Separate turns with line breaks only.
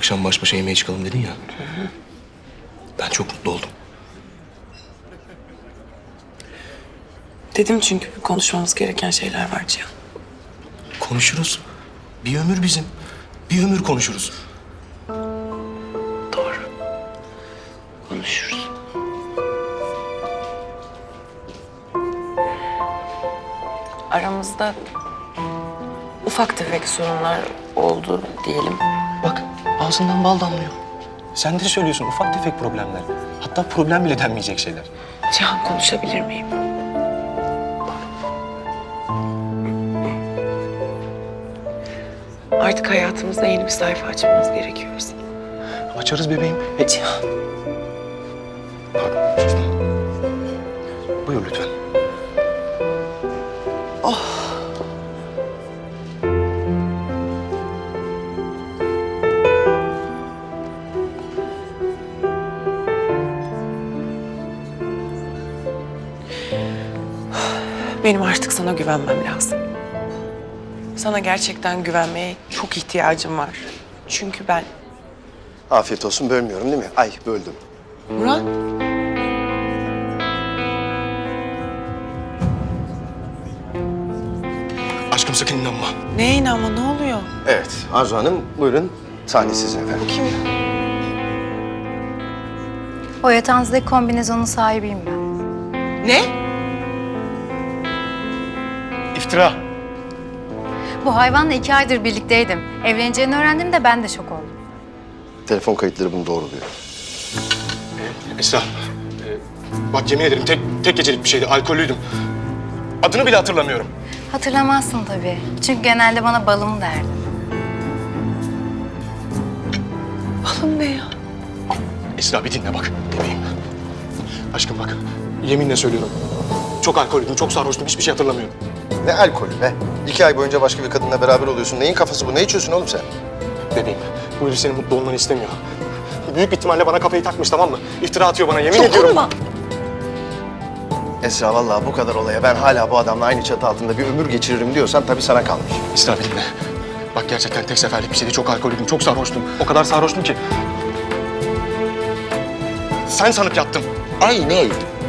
akşam baş başa yemeğe çıkalım dedin ya. Ben çok mutlu oldum.
Dedim çünkü konuşmamız gereken şeyler var Cihan.
Konuşuruz. Bir ömür bizim. Bir ömür konuşuruz.
Doğru. Konuşuruz. Aramızda ufak tefek sorunlar oldu diyelim.
Bak ağzından bal damlıyor. Sen de söylüyorsun ufak tefek problemler. Hatta problem bile denmeyecek şeyler.
Cihan, konuşabilir miyim? Artık hayatımızda yeni bir sayfa açmamız gerekiyor bizim.
Açarız bebeğim. Cihan. Pardon, sustum. Buyur lütfen.
Benim artık sana güvenmem lazım. Sana gerçekten güvenmeye çok ihtiyacım var. Çünkü ben...
Afiyet olsun, bölmüyorum değil mi? Ay, böldüm.
Murat,
Aşkım sakın inanma.
neye inanma, ne oluyor?
Evet, Arzu Hanım, buyurun. Sahne sizin efendim.
Kim?
O yatağınızdaki kombinezonun sahibiyim ben.
Ne?
İftira.
Bu hayvanla 2 aydır birlikteydim. Evleneceğini öğrendim de ben de şok oldum.
Telefon kayıtları bunu doğruluyor.
Esra. Bak yemin ederim tek gecelik bir şeydi. Alkollüydüm. Adını bile hatırlamıyorum.
Hatırlamazsın tabii. Çünkü genelde bana balım derdi.
Balım ne ya?
Esra bir dinle bak bebeğim. Aşkım bak yeminle söylüyorum. Çok alkollüydüm, çok sarhoştum. Hiçbir şey hatırlamıyorum.
Ne alkolü be? 2 ay boyunca başka bir kadınla beraber oluyorsun. Neyin kafası bu? Ne içiyorsun oğlum sen?
Bebeğim bu herif senin mutlu olmanı istemiyor. Büyük bir ihtimalle bana kafayı takmış tamam mı? İftira atıyor bana yemin ediyorum.
Dokunma.
Esra vallahi bu kadar olaya ben hala bu adamla aynı çatı altında bir ömür geçiririm diyorsan tabii sana kalmış.
Esra bir dinle. Bak gerçekten tek seferlik bir şeydi. Çok alkollüydüm, çok sarhoştum. O kadar sarhoştum ki. Sen sanıp yattım.
Aynen.